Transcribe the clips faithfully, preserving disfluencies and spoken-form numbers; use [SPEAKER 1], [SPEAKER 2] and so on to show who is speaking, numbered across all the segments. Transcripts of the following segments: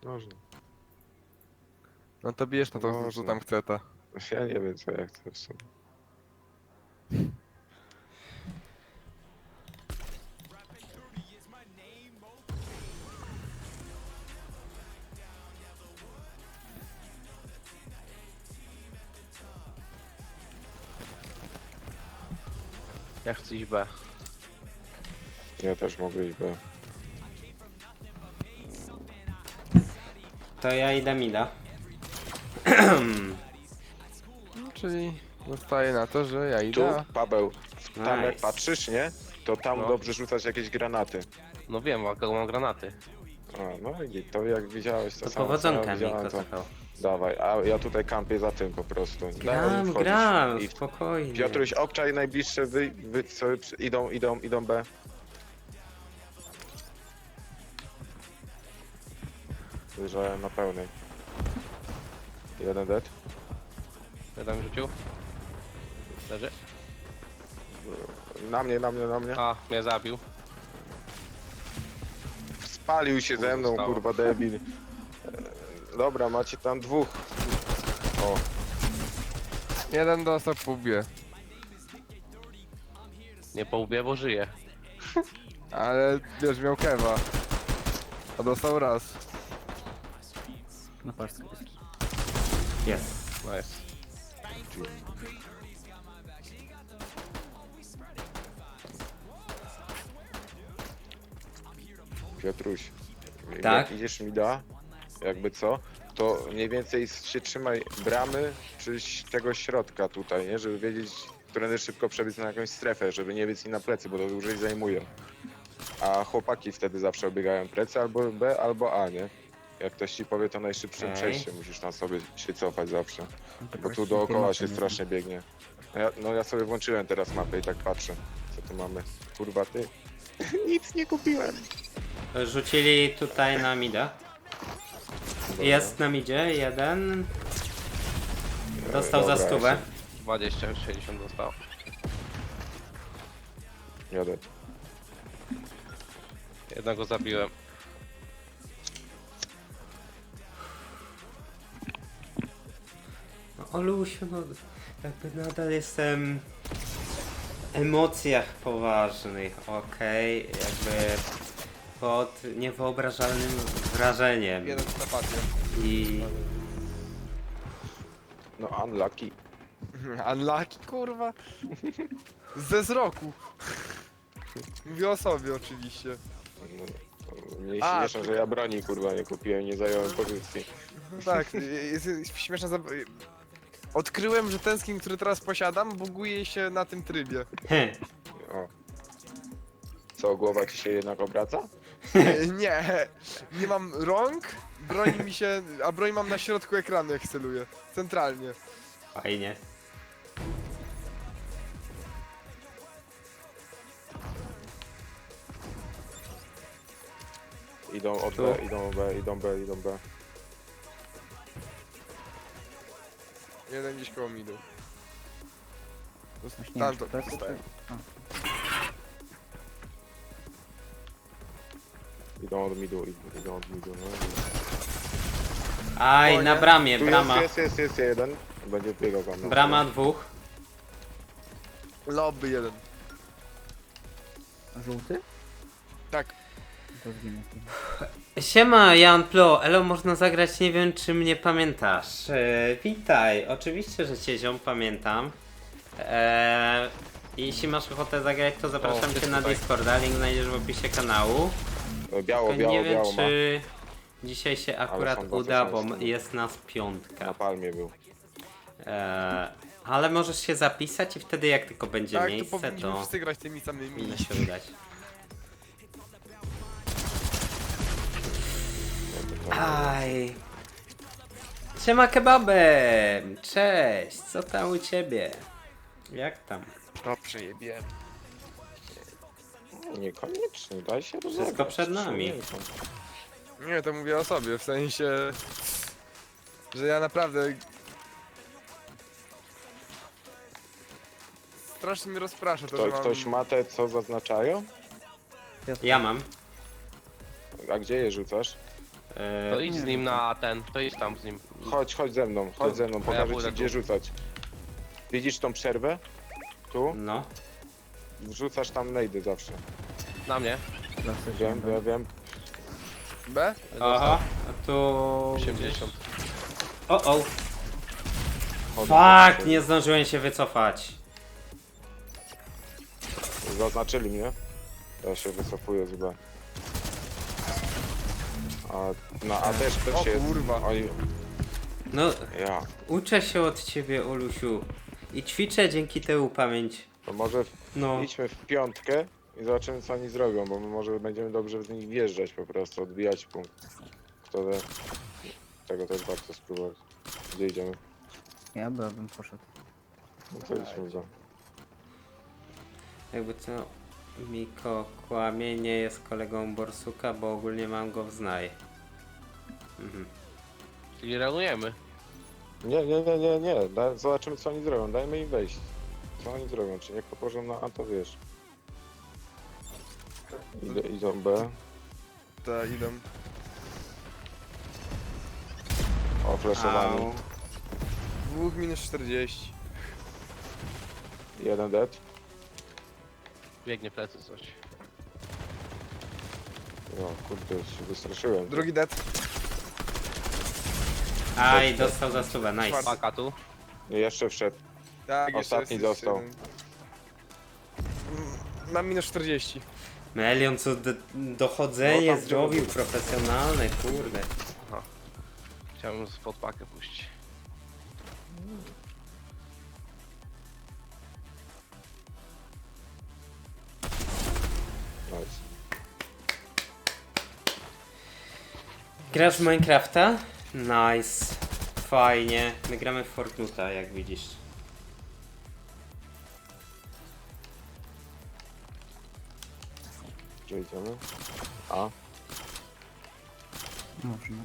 [SPEAKER 1] Można.
[SPEAKER 2] No to bierz na to, co
[SPEAKER 1] Można.
[SPEAKER 2] tam chce ta.
[SPEAKER 1] Ja nie wiem co ja chcę w sumie.
[SPEAKER 3] Ja chcę iść B.
[SPEAKER 1] Ja też mogę iść, bo...
[SPEAKER 4] To ja idę mida.
[SPEAKER 2] No, czyli zostaje na to, że ja
[SPEAKER 1] Tu,
[SPEAKER 2] idę.
[SPEAKER 1] Paweł, tam jak
[SPEAKER 4] Nice.
[SPEAKER 1] patrzysz, nie? To tam
[SPEAKER 3] No.
[SPEAKER 1] dobrze rzucać jakieś granaty.
[SPEAKER 3] No wiem, ale mam granaty.
[SPEAKER 1] A, no i to jak widziałeś to,
[SPEAKER 4] To
[SPEAKER 1] samo co
[SPEAKER 4] powodzonka
[SPEAKER 1] ja
[SPEAKER 4] mi
[SPEAKER 1] widziałem, to
[SPEAKER 4] kochał.
[SPEAKER 1] dawaj, a ja tutaj kampię za tym po prostu. Dawaj,
[SPEAKER 4] Gram,
[SPEAKER 1] wchodzisz.
[SPEAKER 4] gram,
[SPEAKER 1] I
[SPEAKER 4] spokojnie.
[SPEAKER 1] Piotruś, obczaj najbliższe, wy, wy co, idą, idą, idą B. Wyjrzałem na pełnej. Jeden dead.
[SPEAKER 3] Jeden rzucił. Leży.
[SPEAKER 1] Na mnie, na mnie, na mnie.
[SPEAKER 3] A, mnie zabił.
[SPEAKER 1] Spalił się ze mną,
[SPEAKER 3] Zostało.
[SPEAKER 1] kurwa debil. E, Dobra, macie tam dwóch. O,
[SPEAKER 2] Jeden dostał po łbie.
[SPEAKER 3] Nie po łbie, bo żyje.
[SPEAKER 2] Ale wiesz, miał kewa. A dostał raz.
[SPEAKER 5] Na paczce jest.
[SPEAKER 4] Jest.
[SPEAKER 3] Nice.
[SPEAKER 1] Piotruś.
[SPEAKER 4] Tak?
[SPEAKER 1] Jak idziesz mi da, jakby co, to mniej więcej się trzymaj bramy czy tego środka tutaj, nie? Żeby wiedzieć, którędy szybko przebiec na jakąś strefę, żeby nie biec im na plecy, bo to dłużej zajmuje. A chłopaki wtedy zawsze obiegają plecy albo B, albo A, nie? Jak ktoś ci powie, to najszybszym
[SPEAKER 4] Okej.
[SPEAKER 1] przejściem musisz na sobie się cofać zawsze.
[SPEAKER 5] No to
[SPEAKER 1] Bo tu
[SPEAKER 5] właśnie
[SPEAKER 1] dookoła
[SPEAKER 5] informacja
[SPEAKER 1] się
[SPEAKER 5] nie
[SPEAKER 1] strasznie biegnie. No ja, no ja sobie włączyłem teraz mapę i tak patrzę, co tu mamy. Kurwa ty. Nic nie kupiłem.
[SPEAKER 4] Rzucili tutaj na mida.
[SPEAKER 1] Dobra.
[SPEAKER 4] Jest na midzie, jeden. Dostał za
[SPEAKER 1] Dobra,
[SPEAKER 4] stówę.
[SPEAKER 3] dwadzieścia, sześćdziesiąt dostał.
[SPEAKER 1] Jadę.
[SPEAKER 3] Jednego zabiłem.
[SPEAKER 4] No, Olusiu, no jakby nadal jestem w emocjach poważnych, okej? Jakby pod niewyobrażalnym wrażeniem.
[SPEAKER 2] Jeden w napadzie.
[SPEAKER 4] I
[SPEAKER 1] No unlucky.
[SPEAKER 2] Unlucky, kurwa. Ze wzroku. Mówię o sobie oczywiście.
[SPEAKER 1] No, mnie
[SPEAKER 2] A,
[SPEAKER 1] śmieszą,
[SPEAKER 2] ty-
[SPEAKER 1] że ja broni kurwa nie kupiłem, nie zająłem pozycji.
[SPEAKER 2] No tak, jest, jest śmieszna zab... Odkryłem, że ten skin, który teraz posiadam, buguje się na tym trybie.
[SPEAKER 4] Heh,
[SPEAKER 1] O. Co, głowa ci się jednak obraca?
[SPEAKER 2] Nie, nie mam rąk, broni mi się, a broń mam na środku ekranu jak celuję. Centralnie.
[SPEAKER 4] fajnie.
[SPEAKER 1] Idą od B, idą B, idą B, idą B.
[SPEAKER 2] Jeden gdzieś koło midu.
[SPEAKER 5] Właśnie nie
[SPEAKER 2] Tam
[SPEAKER 5] wiem,
[SPEAKER 2] to
[SPEAKER 5] czy tak,
[SPEAKER 2] dostałem.
[SPEAKER 5] A,
[SPEAKER 1] Idą od midu, idą, idą od midu, no.
[SPEAKER 4] Aj,
[SPEAKER 2] O
[SPEAKER 4] na
[SPEAKER 2] nie.
[SPEAKER 4] bramie,
[SPEAKER 1] Tu
[SPEAKER 4] brama.
[SPEAKER 1] jest, jest, jest, jest jeden. Będzie biegał tam. na
[SPEAKER 4] Brama
[SPEAKER 1] dół.
[SPEAKER 4] dwóch.
[SPEAKER 2] Lobby jeden.
[SPEAKER 5] a żółty?
[SPEAKER 2] Tak.
[SPEAKER 5] To zginę.
[SPEAKER 4] Siema, Jan Plo, elo, można zagrać, nie wiem czy mnie pamiętasz. E, witaj, oczywiście, że cię ziom pamiętam. E, jeśli masz ochotę zagrać, to zapraszam
[SPEAKER 3] O,
[SPEAKER 4] cię
[SPEAKER 3] ty
[SPEAKER 4] na
[SPEAKER 3] tutaj.
[SPEAKER 4] Discorda, link znajdziesz w opisie kanału.
[SPEAKER 1] E, Biało,
[SPEAKER 4] Tylko
[SPEAKER 1] biało,
[SPEAKER 4] nie wiem
[SPEAKER 1] biało ma.
[SPEAKER 4] czy dzisiaj się akurat
[SPEAKER 1] są dwa
[SPEAKER 4] uda, bo
[SPEAKER 1] tysiące.
[SPEAKER 4] m- jest nas
[SPEAKER 1] Na
[SPEAKER 4] piątka.
[SPEAKER 1] palmie był.
[SPEAKER 4] E, ale możesz się zapisać i wtedy jak tylko będzie
[SPEAKER 2] Tak, to
[SPEAKER 4] miejsce,
[SPEAKER 2] powinniśmy
[SPEAKER 4] to
[SPEAKER 2] wszyscy grać tymi samymi.
[SPEAKER 4] powinno się udać. Aj. Siema kebabem! Cześć, co tam u ciebie? Jak tam?
[SPEAKER 2] No przejebiłem.
[SPEAKER 1] Niekoniecznie, daj się rozegrać.
[SPEAKER 4] Wszystko przed nami.
[SPEAKER 1] człowieku.
[SPEAKER 2] Nie, to mówię o sobie, w sensie... Że ja naprawdę... Strasznie mnie rozprasza to,
[SPEAKER 1] Kto,
[SPEAKER 2] że mam...
[SPEAKER 1] ktoś ma te, co zaznaczają?
[SPEAKER 4] Ja mam.
[SPEAKER 1] A gdzie je rzucasz?
[SPEAKER 4] E,
[SPEAKER 3] To idź z nim na ten, to idź tam z nim.
[SPEAKER 1] Chodź, chodź ze mną, chodź ze mną,
[SPEAKER 3] ja
[SPEAKER 1] pokażę
[SPEAKER 3] pójdę
[SPEAKER 1] ci gdzie
[SPEAKER 3] tu.
[SPEAKER 1] rzucać. Widzisz tą przerwę? Tu?
[SPEAKER 4] No.
[SPEAKER 1] Wrzucasz tam nejdy zawsze.
[SPEAKER 3] Na mnie.
[SPEAKER 1] Wiem, wiem, wiem.
[SPEAKER 2] B?
[SPEAKER 4] Aha, a tu...
[SPEAKER 3] osiemdziesiąt.
[SPEAKER 4] O, o.
[SPEAKER 1] Chodzę.
[SPEAKER 4] Fuck, nie zdążyłem się wycofać.
[SPEAKER 1] Zaznaczyli mnie. Ja się wycofuję z B. A na A też
[SPEAKER 2] O
[SPEAKER 1] też jest.
[SPEAKER 2] kurwa.
[SPEAKER 1] Oni...
[SPEAKER 4] No,
[SPEAKER 1] Ja.
[SPEAKER 4] uczę się od ciebie, Olusiu. I ćwiczę dzięki temu pamięć.
[SPEAKER 1] To może w...
[SPEAKER 4] No.
[SPEAKER 1] idźmy w piątkę i zobaczymy co oni zrobią, bo my może będziemy dobrze z nich wjeżdżać po prostu, odbijać punkt. Kto wie? Tego też warto spróbować. Gdzie idziemy?
[SPEAKER 5] Ja by- bym poszedł.
[SPEAKER 1] No to idźmy go.
[SPEAKER 4] Jakby co, Miko kłamie, nie jest kolegą Borsuka, bo ogólnie mam go w znaj. Mhm.
[SPEAKER 3] Czyli reagujemy.
[SPEAKER 1] Nie, nie, nie, nie, nie. Da, zobaczymy co oni zrobią. Dajmy im wejść. Co oni zrobią? Czy jak położą na A, to wiesz. Idę, idą B.
[SPEAKER 2] Ta, idą.
[SPEAKER 1] O, flashowany.
[SPEAKER 4] Au.
[SPEAKER 2] Dwóch minus czterdzieści.
[SPEAKER 1] Jeden dead.
[SPEAKER 3] Biegnie plecy coś.
[SPEAKER 1] No, kurde, się wystraszyłem.
[SPEAKER 2] Drugi dead.
[SPEAKER 4] Aj, dostał za stówę, nice.
[SPEAKER 2] Czwarty.
[SPEAKER 3] Paka tu.
[SPEAKER 1] I jeszcze wszedł.
[SPEAKER 2] Tak, jeszcze
[SPEAKER 1] Ostatni
[SPEAKER 2] jest, jest
[SPEAKER 1] dostał.
[SPEAKER 2] jeden. Mm, Mam minus czterdzieści.
[SPEAKER 4] Melion, co do, dochodzenie
[SPEAKER 1] No tam
[SPEAKER 4] zrobił, profesjonalne, kurde.
[SPEAKER 3] Chciałem spod pakę puścić.
[SPEAKER 1] Nice.
[SPEAKER 4] Grasz w Minecrafta? Nice. Fajnie. My gramy w Fortnite'a, jak widzisz.
[SPEAKER 1] Gdzie idziemy? A?
[SPEAKER 5] Można.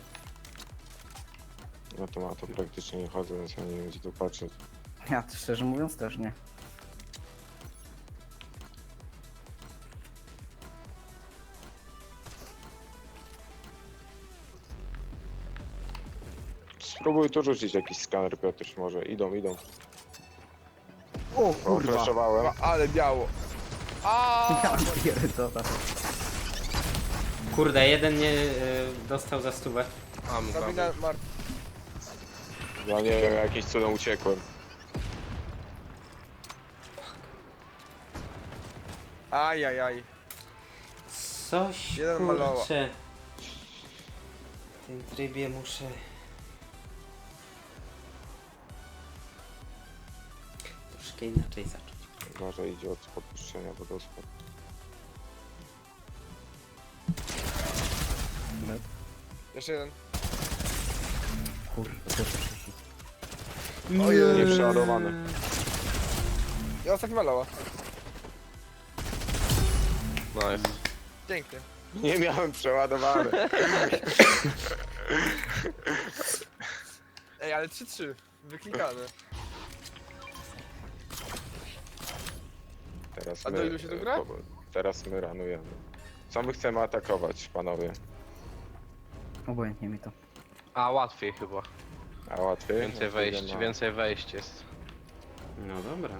[SPEAKER 1] No to ma to praktycznie nie chodzę, więc ja nie wiem gdzie tu patrzeć.
[SPEAKER 5] Ja to szczerze mówiąc też nie.
[SPEAKER 1] Spróbuj tu rzucić jakiś skaner, Piotr, może. Idą, idą.
[SPEAKER 5] O
[SPEAKER 1] O,
[SPEAKER 5] kurwa!
[SPEAKER 1] flashowałem.
[SPEAKER 2] Ma, ale biało. A.
[SPEAKER 5] Ja pierdolę.
[SPEAKER 4] Kurde, jeden nie y, dostał za stówę.
[SPEAKER 3] Mam go.
[SPEAKER 2] Sabina Mart.
[SPEAKER 1] Ja nie wiem, jakimś cudem uciekłem.
[SPEAKER 2] Ajajaj.
[SPEAKER 4] Coś,
[SPEAKER 2] Jeden maloła.
[SPEAKER 4] kurczę. W tym trybie muszę... Troszkę inaczej zacząć.
[SPEAKER 1] Może idzie od podpuszczenia do dospod.
[SPEAKER 2] Jeszcze jeden.
[SPEAKER 5] Kurwa, to jest przeciw.
[SPEAKER 2] Ojej.
[SPEAKER 1] Nieprzeładowany.
[SPEAKER 2] I ostatni maloła.
[SPEAKER 3] Nice.
[SPEAKER 2] Pięknie.
[SPEAKER 1] Nie miałem przeładowane.
[SPEAKER 2] Ej, ale trzy trzy. Wyklikane.
[SPEAKER 1] Teraz
[SPEAKER 2] A
[SPEAKER 1] my,
[SPEAKER 2] do ilu się to gra?
[SPEAKER 1] po- Teraz my ranujemy. Co my chcemy atakować, panowie?
[SPEAKER 5] Obojętnie mi to.
[SPEAKER 3] A łatwiej chyba.
[SPEAKER 1] A łatwiej?
[SPEAKER 3] Więcej
[SPEAKER 1] No to
[SPEAKER 3] wejść,
[SPEAKER 1] idę na-
[SPEAKER 3] więcej wejść jest.
[SPEAKER 4] No dobra.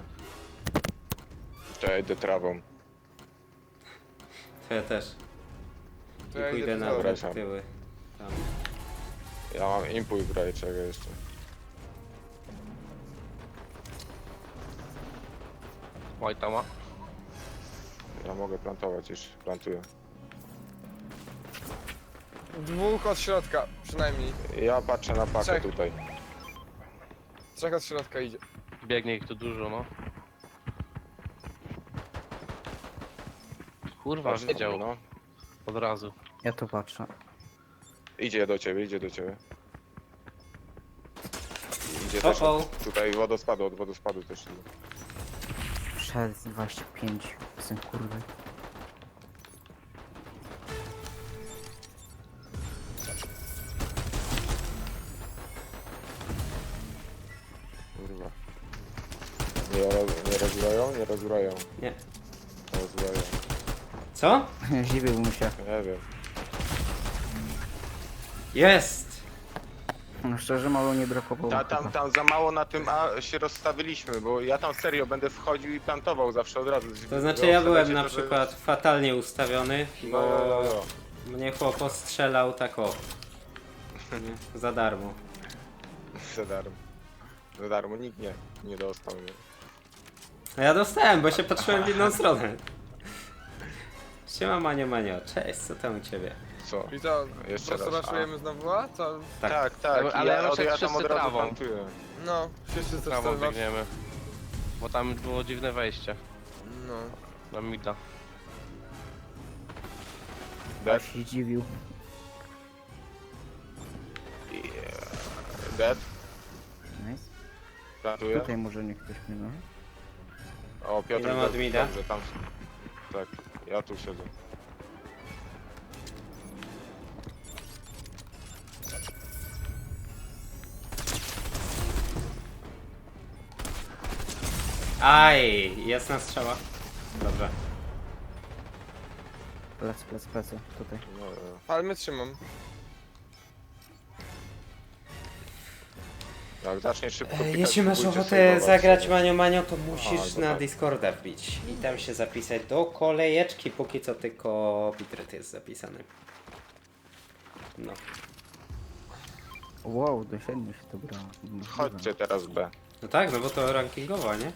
[SPEAKER 1] To ja idę trawą.
[SPEAKER 4] To ja też.
[SPEAKER 2] To
[SPEAKER 4] I
[SPEAKER 2] ja
[SPEAKER 4] pójdę
[SPEAKER 2] idę
[SPEAKER 4] na
[SPEAKER 2] do
[SPEAKER 1] dobra.
[SPEAKER 4] wrót tyły. Tam.
[SPEAKER 1] Ja mam impuls w razie czego jeszcze.
[SPEAKER 3] White'a ma.
[SPEAKER 1] Ja mogę plantować już, plantuję.
[SPEAKER 2] Dwóch od środka, przynajmniej.
[SPEAKER 1] Ja patrzę na pakę
[SPEAKER 2] Trzech.
[SPEAKER 1] tutaj.
[SPEAKER 2] Trzech od środka idzie.
[SPEAKER 3] Biegnie ich tu dużo, no. Kurwa,
[SPEAKER 1] Patrz,
[SPEAKER 3] wiedział
[SPEAKER 1] no.
[SPEAKER 3] od razu.
[SPEAKER 5] Ja tu patrzę.
[SPEAKER 1] Idzie do ciebie, idzie do ciebie. Idzie
[SPEAKER 4] O,
[SPEAKER 1] też
[SPEAKER 4] o.
[SPEAKER 1] od, tutaj wodospadu, od wodospadu też idzie.
[SPEAKER 5] Przed dwadzieścia pięć. Syn kurwy.
[SPEAKER 1] Kurwa. Nie, roz, nie rozbroją? Nie rozbroją.
[SPEAKER 4] Nie.
[SPEAKER 1] Rozbroją.
[SPEAKER 4] Co?
[SPEAKER 5] Zdziwiłbym się.
[SPEAKER 1] Nie wiem.
[SPEAKER 4] Jest!
[SPEAKER 5] No szczerze mało nie brakowało.
[SPEAKER 1] Ta, tam,
[SPEAKER 5] chyba.
[SPEAKER 1] tam za mało na tym A się rozstawiliśmy, bo ja tam serio będę wchodził i plantował zawsze od razu.
[SPEAKER 4] To znaczy ja byłem na
[SPEAKER 1] to, że-
[SPEAKER 4] przykład fatalnie ustawiony,
[SPEAKER 1] No,
[SPEAKER 4] bo
[SPEAKER 1] no, no.
[SPEAKER 4] mnie chłop postrzelał tak o. Nie? Za darmo.
[SPEAKER 1] Za darmo. Za darmo nikt nie, nie dostał. Nie?
[SPEAKER 4] No ja dostałem, bo się patrzyłem w inną stronę. Siema Manio Manio, cześć, co tam u ciebie?
[SPEAKER 1] Co?
[SPEAKER 2] I co,
[SPEAKER 1] Jeszcze
[SPEAKER 2] po prostu
[SPEAKER 1] raz,
[SPEAKER 2] raszujemy znowu, a? Co?
[SPEAKER 4] Tak.
[SPEAKER 1] Tak, tak,
[SPEAKER 3] Ale-
[SPEAKER 1] i
[SPEAKER 3] ale
[SPEAKER 1] ja,
[SPEAKER 3] raczej
[SPEAKER 1] ja tam
[SPEAKER 3] wszyscy
[SPEAKER 1] od razu
[SPEAKER 3] trawą.
[SPEAKER 1] plantuję.
[SPEAKER 2] No, wszyscy coś
[SPEAKER 3] Prawą
[SPEAKER 2] tam
[SPEAKER 3] biegniemy. Bo tam było dziwne wejście.
[SPEAKER 2] No.
[SPEAKER 3] Na mida.
[SPEAKER 1] Dead?
[SPEAKER 5] się dziwił.
[SPEAKER 1] Yeah. Dead?
[SPEAKER 5] Nice.
[SPEAKER 1] Plantuję?
[SPEAKER 5] Tutaj może nie ktoś mnie no.
[SPEAKER 1] O, Piotr,
[SPEAKER 4] Idę od
[SPEAKER 1] dobrze,
[SPEAKER 4] mida.
[SPEAKER 1] dobrze, tam... Tak, ja tu siedzę.
[SPEAKER 4] Aj, jasna strzała. Dobrze.
[SPEAKER 5] Plec, plec, plecy. Tutaj.
[SPEAKER 1] No, no.
[SPEAKER 2] Palmy trzymam.
[SPEAKER 1] Jak zaczniesz szybko
[SPEAKER 4] E,
[SPEAKER 1] pikać,
[SPEAKER 4] Jeśli masz
[SPEAKER 1] pójdzie
[SPEAKER 4] ochotę
[SPEAKER 1] sejwować
[SPEAKER 4] zagrać
[SPEAKER 1] sobie.
[SPEAKER 4] Manio Manio, to musisz
[SPEAKER 1] Aha,
[SPEAKER 4] na
[SPEAKER 1] dobra.
[SPEAKER 4] Discorda wbić i tam się zapisać do kolejeczki, póki co tylko Bitret jest zapisany. No.
[SPEAKER 5] Wow, do siedmiu się to brało. Możliwe.
[SPEAKER 1] Chodźcie teraz B.
[SPEAKER 4] No tak, no bo to rankingowo, nie?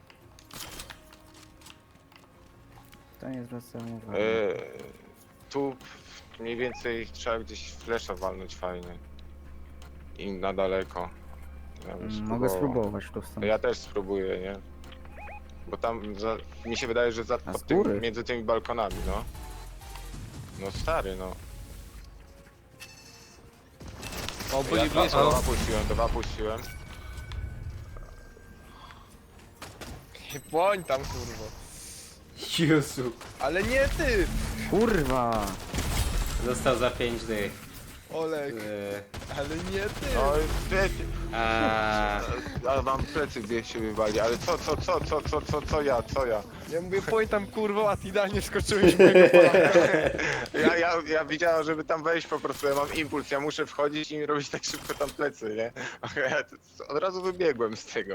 [SPEAKER 5] To nie zwracam uwagi.
[SPEAKER 1] Yy, tu mniej więcej trzeba gdzieś flesza walnąć fajnie. I na daleko. Ja bym
[SPEAKER 5] Mm, Mogę
[SPEAKER 1] spróbował.
[SPEAKER 5] spróbować tu stąd.
[SPEAKER 1] To ja też spróbuję, nie? Bo tam za, mi się wydaje, że za,
[SPEAKER 5] A
[SPEAKER 1] pod
[SPEAKER 5] z
[SPEAKER 1] tym,
[SPEAKER 5] góry?
[SPEAKER 1] między tymi balkonami, no. No stary, no.
[SPEAKER 3] O, byli
[SPEAKER 1] Ja dwa,
[SPEAKER 3] blisko.
[SPEAKER 1] dwa puściłem, dwa puściłem.
[SPEAKER 2] Błoń tam, kurwa.
[SPEAKER 4] Jezu.
[SPEAKER 2] Ale nie ty!
[SPEAKER 5] Kurwa!
[SPEAKER 4] Został za pięć dych.
[SPEAKER 2] Olek,
[SPEAKER 4] Yy,
[SPEAKER 2] ale nie ty!
[SPEAKER 1] No ty,
[SPEAKER 4] a,
[SPEAKER 1] a wam plecy gdzieś się wywali, ale co, co, co, co, co, co, co ja, co ja?
[SPEAKER 2] Ja mówię, błoń tam, kurwo, a ty idealnie wskoczyłeś w mojego pola.
[SPEAKER 1] Ja, ja, ja widziałem, żeby tam wejść po prostu, ja mam impuls, ja muszę wchodzić i robić tak szybko tam plecy, nie? A ja t- od razu wybiegłem z tego.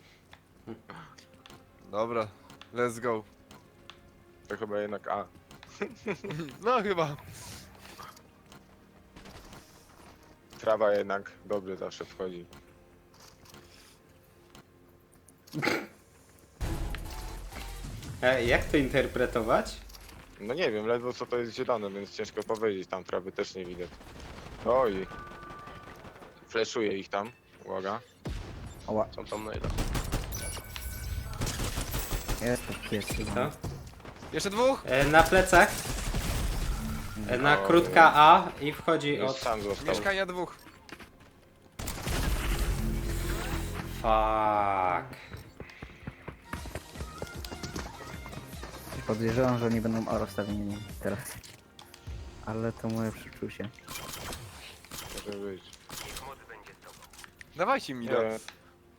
[SPEAKER 2] Dobra, let's go.
[SPEAKER 1] To chyba jednak A.
[SPEAKER 2] No chyba.
[SPEAKER 1] Trawa jednak dobrze zawsze wchodzi.
[SPEAKER 4] e, jak to interpretować?
[SPEAKER 1] No nie wiem, ledwo co to jest zielone, więc ciężko powiedzieć, tam trawy też nie widać. Oj. Fleszuję ich tam, uwaga.
[SPEAKER 5] Oła,
[SPEAKER 3] Są tam najda.
[SPEAKER 5] jest to pies chyba.
[SPEAKER 4] Co?
[SPEAKER 2] Jeszcze dwóch?
[SPEAKER 4] E, na plecach. E, na
[SPEAKER 1] O,
[SPEAKER 4] krótka A i wchodzi
[SPEAKER 1] Już
[SPEAKER 4] od...
[SPEAKER 1] sam został.
[SPEAKER 2] Mieszkania dwóch.
[SPEAKER 4] Fuck.
[SPEAKER 5] Podejrzewam, że nie będą A rozstawieni teraz. Ale to moje przeczucie.
[SPEAKER 1] Może być.
[SPEAKER 2] Dawajcie mi da.
[SPEAKER 1] Nie,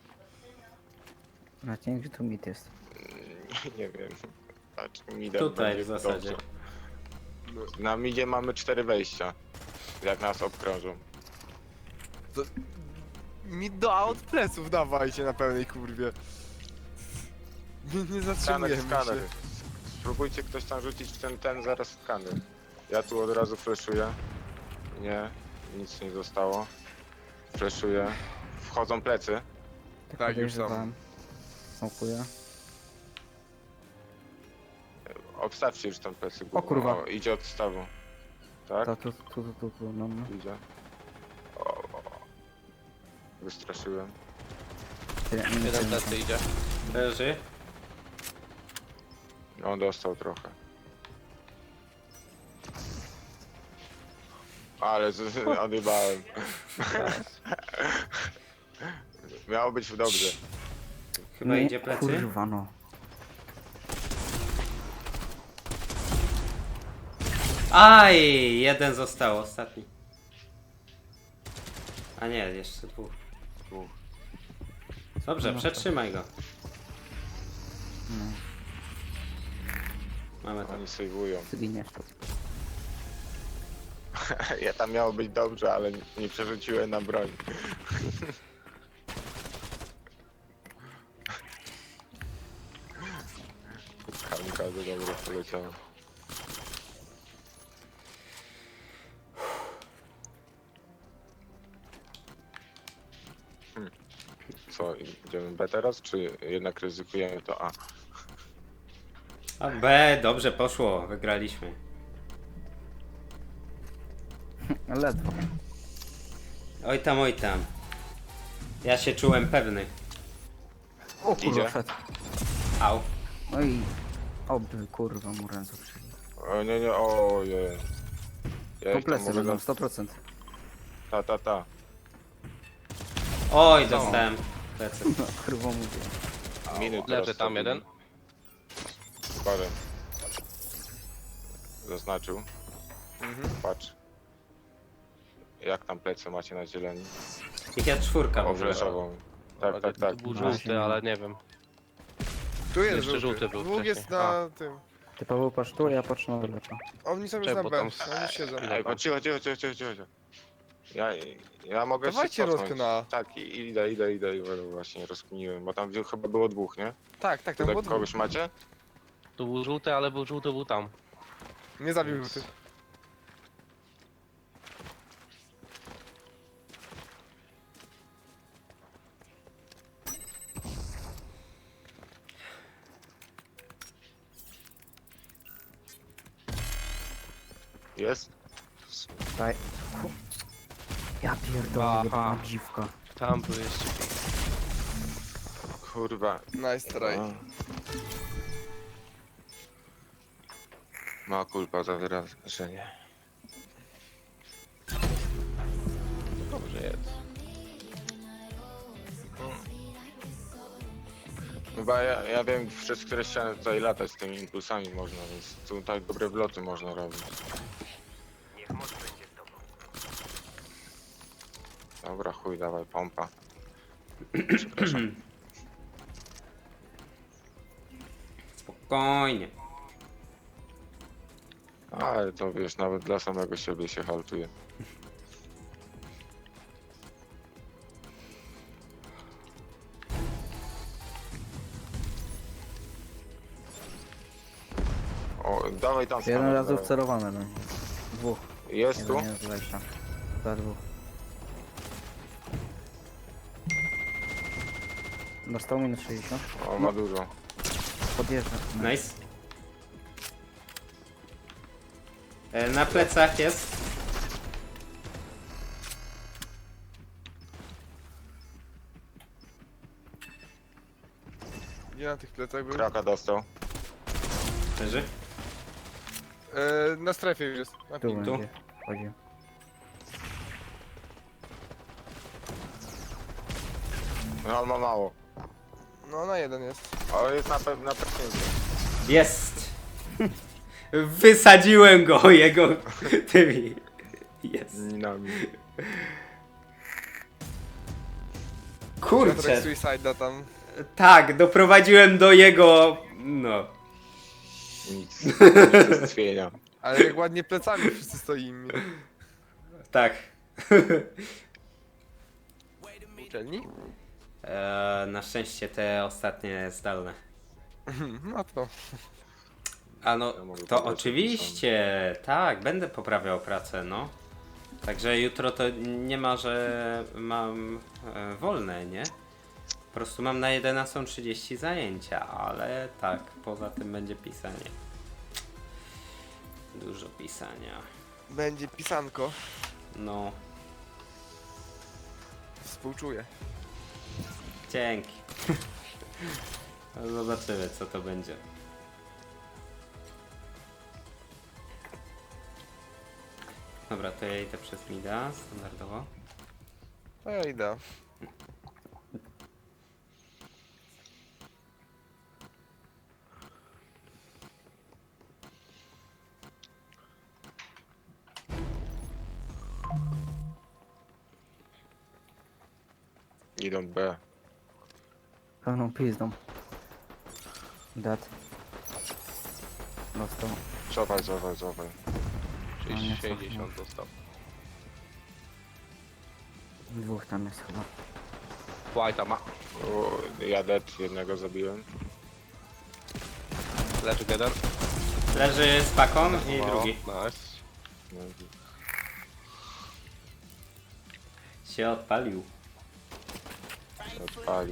[SPEAKER 5] Na cień, gdzie tu mit jest.
[SPEAKER 1] nie wiem. Patrz, midem
[SPEAKER 4] Tutaj
[SPEAKER 1] będzie
[SPEAKER 4] w zasadzie.
[SPEAKER 1] dobrze. Na midzie mamy cztery wejścia. Jak nas obkrążą.
[SPEAKER 2] Mi do A od pleców dawajcie na pełnej kurwie. Nie, nie
[SPEAKER 1] Skaner,
[SPEAKER 2] zatrzymujemy
[SPEAKER 1] skaner.
[SPEAKER 2] się.
[SPEAKER 1] Spróbujcie ktoś tam rzucić ten, ten zaraz skaner. Ja tu od razu flashuję. Nie, nic nie zostało. Flashuję. Wchodzą plecy.
[SPEAKER 5] Tak,
[SPEAKER 2] Tak, już są.
[SPEAKER 5] podejrzewam. Smokuję.
[SPEAKER 1] Obstawcie już tam plecy.
[SPEAKER 5] O kurwa.
[SPEAKER 1] O, idzie od stawu. Tak?
[SPEAKER 5] To tu, tu, tu, tu, tu, no, no.
[SPEAKER 1] Idzie. O, o. Wystraszyłem.
[SPEAKER 5] Tyle, nie
[SPEAKER 3] Jeden
[SPEAKER 5] wiem,
[SPEAKER 3] plecy idzie.
[SPEAKER 4] Leży.
[SPEAKER 1] On dostał trochę. Ale z- z- odjebałem. Miało być dobrze.
[SPEAKER 4] Chyba
[SPEAKER 5] nie,
[SPEAKER 4] idzie plecy.
[SPEAKER 5] Kurwa no.
[SPEAKER 4] Aj, jeden został, ostatni. A nie, jeszcze dwóch.
[SPEAKER 1] Dwóch.
[SPEAKER 4] Dobrze,
[SPEAKER 5] No
[SPEAKER 4] przetrzymaj go.
[SPEAKER 5] No,
[SPEAKER 4] Mamy to.
[SPEAKER 1] Oni sejwują.
[SPEAKER 5] zginiesz to.
[SPEAKER 1] Ja tam miało być dobrze, ale nie przerzuciłem na broń. Kamikaze dobre poleciało. Hmm. Co, idziemy B teraz, czy jednak ryzykujemy to A?
[SPEAKER 4] A B, dobrze poszło, wygraliśmy.
[SPEAKER 5] Ledwo.
[SPEAKER 4] Oj tam, oj tam. Ja się czułem pewny.
[SPEAKER 5] O kurwa,
[SPEAKER 1] Idzie.
[SPEAKER 5] wszedł.
[SPEAKER 4] Au.
[SPEAKER 5] No i... Oby kurwa mu ręce przyjdzie.
[SPEAKER 1] O nie, nie, ojej. Ja ich tam
[SPEAKER 5] Kompleksy
[SPEAKER 1] mogę
[SPEAKER 5] będą,
[SPEAKER 1] na...
[SPEAKER 5] sto procent.
[SPEAKER 1] Ta, ta, ta.
[SPEAKER 4] Oj, dostałem plecy.
[SPEAKER 5] No kurwa mówię.
[SPEAKER 1] Minut
[SPEAKER 3] Leży tam jeden.
[SPEAKER 1] Parę. Zaznaczył.
[SPEAKER 2] Mhm.
[SPEAKER 1] Patrz. Jak tam plecy macie na zieleni?
[SPEAKER 4] Ich ja czwórka w
[SPEAKER 1] O,
[SPEAKER 4] ogóle.
[SPEAKER 1] fleszową. Tak, tak, tak.
[SPEAKER 3] Tu był
[SPEAKER 5] No.
[SPEAKER 3] żółty, ale nie wiem.
[SPEAKER 2] Tu jest
[SPEAKER 3] Jeszcze
[SPEAKER 2] żółty.
[SPEAKER 3] żółty był
[SPEAKER 2] Dwóch jest
[SPEAKER 3] wcześniej.
[SPEAKER 2] na tym.
[SPEAKER 5] Ty Paweł patrz tu, a ja patrzę na lewo.
[SPEAKER 2] Oni są już
[SPEAKER 3] Czekaj,
[SPEAKER 2] na
[SPEAKER 3] bo
[SPEAKER 2] B.
[SPEAKER 3] tam-
[SPEAKER 2] Oni już siedzą.
[SPEAKER 1] Ej, bo cicho, cicho, cicho, cicho, cicho. cicho. Ja, ja mogę
[SPEAKER 2] Dawajcie
[SPEAKER 1] się cofnąć.
[SPEAKER 2] rozkę na-
[SPEAKER 1] Tak, i- idę, idę, idę i właśnie rozkminiłem, bo tam chyba było dwóch, nie?
[SPEAKER 2] Tak, tak, tam
[SPEAKER 1] Tutaj
[SPEAKER 2] było dwóch.
[SPEAKER 1] kogoś macie?
[SPEAKER 3] Tu był żółty, ale był żółty, był tam.
[SPEAKER 2] Nie zabił żółty.
[SPEAKER 1] Jest?
[SPEAKER 5] Daj. Ja pierdolę,
[SPEAKER 3] Aha.
[SPEAKER 5] jebana dziwka.
[SPEAKER 3] Tam był jeszcze.
[SPEAKER 1] Kurwa.
[SPEAKER 2] Nice try.
[SPEAKER 1] A. Ma kulpa za wyrażenie.
[SPEAKER 3] Dobrze jest.
[SPEAKER 1] Chyba ja, ja wiem, przez które ściany tutaj latać z tymi impulsami można, więc tutaj dobre wloty można robić. Dobra, chuj, dawaj, pompa. Przepraszam.
[SPEAKER 4] Spokojnie.
[SPEAKER 1] Ale to wiesz, nawet dla samego siebie się haltuje. O, dawaj tam
[SPEAKER 5] Jeden
[SPEAKER 1] stanę,
[SPEAKER 5] raz
[SPEAKER 1] dawaj.
[SPEAKER 5] wcelowany będzie. Dwóch.
[SPEAKER 1] Jest tu?
[SPEAKER 5] Jeden jest z wejścia. Za dwóch. Dostał minus sześćdziesiąt.
[SPEAKER 1] O, ma dużo.
[SPEAKER 5] Podjeżdża.
[SPEAKER 4] Nice. E, na plecach jest.
[SPEAKER 2] Gdzie na tych plecach był?
[SPEAKER 1] Kraka dostał.
[SPEAKER 4] Leży.
[SPEAKER 2] E, na strefie już jest. Na
[SPEAKER 5] Tu
[SPEAKER 2] ping.
[SPEAKER 5] będzie. Chodzi.
[SPEAKER 1] No, on ma mało.
[SPEAKER 2] No na jeden jest.
[SPEAKER 1] Ale jest na pewno na pewno.
[SPEAKER 4] Jest. Wysadziłem go jego tymi. Jest.
[SPEAKER 1] Minami.
[SPEAKER 2] Piotrek
[SPEAKER 4] Kurczę.
[SPEAKER 2] Suicide'a tam.
[SPEAKER 4] Tak, doprowadziłem do jego. No.
[SPEAKER 1] Nic. Unicestwienia.
[SPEAKER 2] Ale jak ładnie plecami wszyscy stoimy.
[SPEAKER 4] Tak.
[SPEAKER 2] Uczelni?
[SPEAKER 4] E, na szczęście te ostatnie zdalne.
[SPEAKER 2] No to.
[SPEAKER 4] A no,
[SPEAKER 1] Ja mogę
[SPEAKER 4] to
[SPEAKER 1] pobrać
[SPEAKER 4] oczywiście, tak, będę poprawiał pracę, no. Także jutro to nie ma, że mam e, wolne, nie? Po prostu mam na jedenastą trzydzieści zajęcia, ale tak, poza tym będzie pisanie. Dużo pisania.
[SPEAKER 2] Będzie pisanko.
[SPEAKER 4] No,
[SPEAKER 2] Współczuję.
[SPEAKER 4] dzięki. No, zobaczymy, co to będzie. Dobra, to ja idę przez mida, standardowo.
[SPEAKER 2] To ja idę.
[SPEAKER 1] Idą B.
[SPEAKER 5] Pełną pizdą. Dead. Dostał.
[SPEAKER 1] Cofaj, cofaj, cofaj.
[SPEAKER 5] No, nie cofnął.
[SPEAKER 3] sześćdziesiąt dostał.
[SPEAKER 5] Dwóch tam jest chyba.
[SPEAKER 3] White'a ma.
[SPEAKER 1] O, ja dead jednego zabiłem.
[SPEAKER 3] Leży jeden.
[SPEAKER 4] Leży z paką i
[SPEAKER 3] No,
[SPEAKER 4] drugi.
[SPEAKER 3] Nice.
[SPEAKER 1] No,
[SPEAKER 4] Się odpalił.
[SPEAKER 1] się odpalił.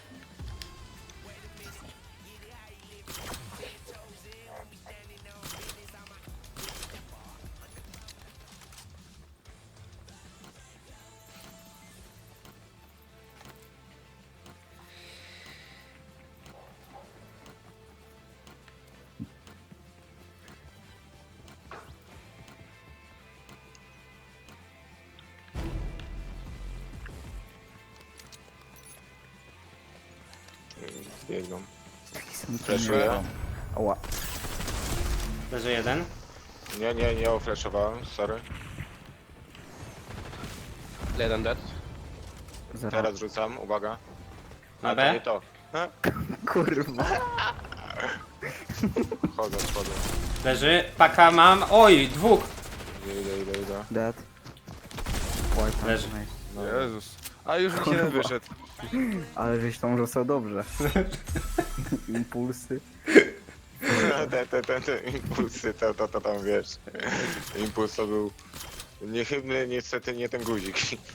[SPEAKER 1] Biegną. Flashuję.
[SPEAKER 5] Oła.
[SPEAKER 4] Leży jeden.
[SPEAKER 1] Nie, nie, nie oflashowałem, sorry.
[SPEAKER 3] Jeden dead.
[SPEAKER 5] Zero.
[SPEAKER 1] Teraz rzucam, uwaga.
[SPEAKER 4] Na
[SPEAKER 1] A to
[SPEAKER 4] B?
[SPEAKER 1] nie to. E?
[SPEAKER 5] Kurwa.
[SPEAKER 1] Chodzę, chodzę.
[SPEAKER 4] Leży. Paka mam. Oj, dwóch.
[SPEAKER 1] Idę, idę, idę, idę.
[SPEAKER 5] Dead. Oj, tam
[SPEAKER 4] Leży.
[SPEAKER 5] nice.
[SPEAKER 1] No,
[SPEAKER 2] Jezus. A już mi jeden wyszedł.
[SPEAKER 5] Ale żeś tam rzucał dobrze. Impulsy.
[SPEAKER 1] te, te, te, te impulsy, to, to, to tam wiesz. Impuls to był niechybny, niestety nie ten guzik.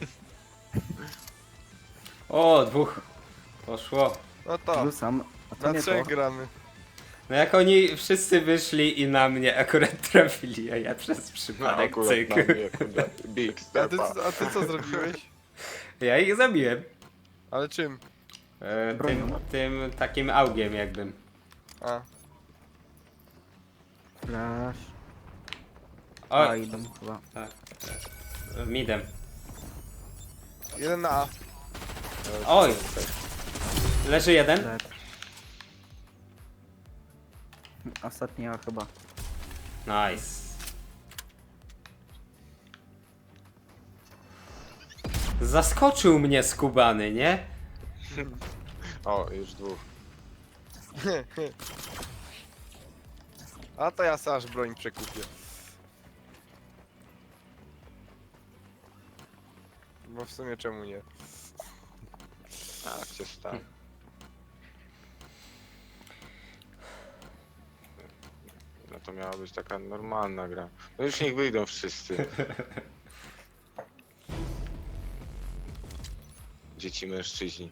[SPEAKER 4] O, dwóch. Poszło.
[SPEAKER 2] No to,
[SPEAKER 5] Rzucam. A to
[SPEAKER 2] na
[SPEAKER 5] nie to.
[SPEAKER 2] trzech gramy.
[SPEAKER 4] No jak oni wszyscy wyszli i na mnie akurat trafili, a ja przez przypadek
[SPEAKER 1] akurat
[SPEAKER 4] cyk.
[SPEAKER 1] na mnie, kurde, big
[SPEAKER 2] A ty,
[SPEAKER 1] stepa.
[SPEAKER 2] a ty co zrobiłeś?
[SPEAKER 4] Ja ich zabiłem.
[SPEAKER 2] Ale czym?
[SPEAKER 4] E, tym,
[SPEAKER 5] Bronią.
[SPEAKER 4] tym takim augiem jakbym.
[SPEAKER 2] A,
[SPEAKER 5] Flash.
[SPEAKER 4] O,
[SPEAKER 5] A, idą chyba.
[SPEAKER 4] tak. Midem.
[SPEAKER 2] jeden na A.
[SPEAKER 4] Oj. Leży jeden.
[SPEAKER 5] Dead. Ostatnia chyba.
[SPEAKER 4] Nice. Zaskoczył mnie skubany, nie?
[SPEAKER 1] O, już dwóch.
[SPEAKER 2] A to ja sobie aż broń przekupię. Bo w sumie czemu nie?
[SPEAKER 1] Tak się stało. No to miała być taka normalna gra. No już niech wyjdą wszyscy. Dzieci mężczyźni.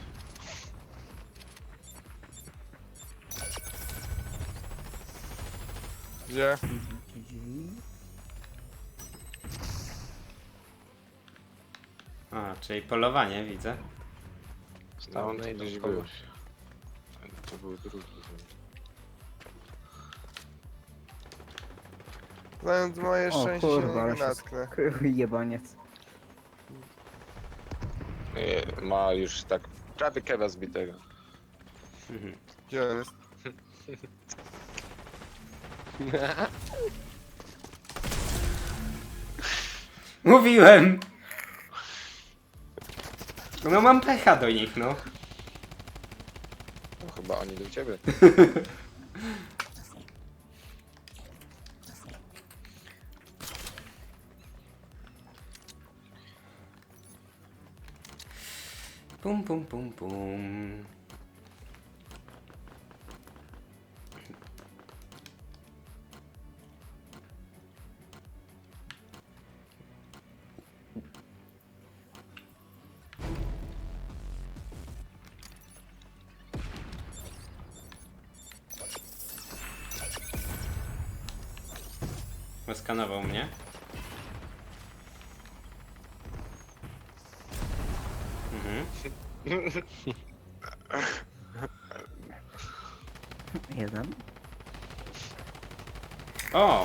[SPEAKER 2] Gdzie?
[SPEAKER 4] A, czyli polowanie widzę.
[SPEAKER 1] No on
[SPEAKER 3] No,
[SPEAKER 1] tu
[SPEAKER 3] idą
[SPEAKER 1] gdzieś
[SPEAKER 3] kogoś.
[SPEAKER 1] był. To był drugi.
[SPEAKER 2] Znając moje
[SPEAKER 5] O
[SPEAKER 2] szczęście
[SPEAKER 5] kurwa,
[SPEAKER 2] nie
[SPEAKER 5] ale się
[SPEAKER 2] natknę.
[SPEAKER 5] Jebaniec.
[SPEAKER 1] Nie, ma już tak prawie kewa zbitego.
[SPEAKER 4] Mhm.
[SPEAKER 2] Gdzie on jest?
[SPEAKER 4] Mówiłem! No mam pecha do nich, no.
[SPEAKER 1] No, chyba oni do ciebie.
[SPEAKER 4] Pum pum pum pum. Skanował mnie. Mhm.
[SPEAKER 5] Jeden.
[SPEAKER 4] O!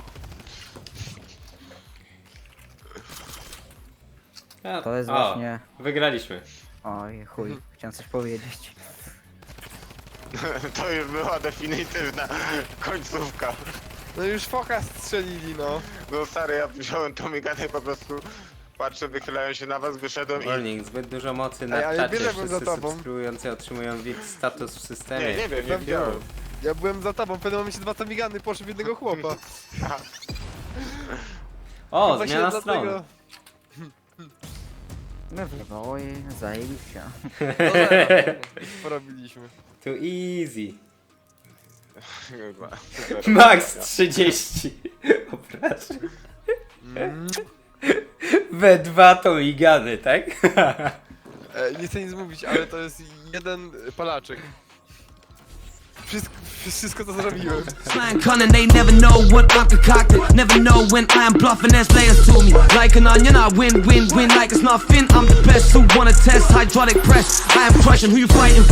[SPEAKER 4] Ja-
[SPEAKER 5] To jest
[SPEAKER 4] o,
[SPEAKER 5] właśnie...
[SPEAKER 4] Wygraliśmy.
[SPEAKER 5] Oj, chuj. Chciałem coś powiedzieć.
[SPEAKER 1] To już była definitywna końcówka.
[SPEAKER 2] No już foka strzelili, no.
[SPEAKER 1] No stary, ja wziąłem tą miganę i po prostu patrzę, wychylają się na was, wyszedłem i...
[SPEAKER 4] Warning, zbyt dużo mocy na
[SPEAKER 2] Ej, ale
[SPEAKER 4] czacie.
[SPEAKER 2] bierzemy za
[SPEAKER 4] Wszyscy
[SPEAKER 2] tobą.
[SPEAKER 1] subskrybujący
[SPEAKER 4] subskrybujący otrzymują V I P status w systemie.
[SPEAKER 1] Nie, nie wiem, nie
[SPEAKER 2] Pewnie.
[SPEAKER 1] widziałem.
[SPEAKER 2] Ja byłem za tobą, w pewnym momencie dwa tamigany poszły w jednego chłopa.
[SPEAKER 4] O,
[SPEAKER 2] Chyba się
[SPEAKER 4] zmiana
[SPEAKER 2] dlatego-
[SPEAKER 4] stron.
[SPEAKER 5] My w Oj, zajebiście.
[SPEAKER 2] No zero. Porobiliśmy.
[SPEAKER 4] To easy.
[SPEAKER 1] Chyba.
[SPEAKER 4] Max trzydzieści. Obrażeń.
[SPEAKER 2] Mm.
[SPEAKER 4] We dwa to migany, tak?
[SPEAKER 2] E, nie chcę nic mówić, ale to jest jeden palaczek. Wszystko, wszystko to zrobiłem.
[SPEAKER 6] Slang cunning, they never know what I'm concocted. Never know when I'm bluffing, there's layers to me. Like an onion, I win, win, win like it's nothing. I'm the best who wanna test hydraulic press. I am crushing who you fighting.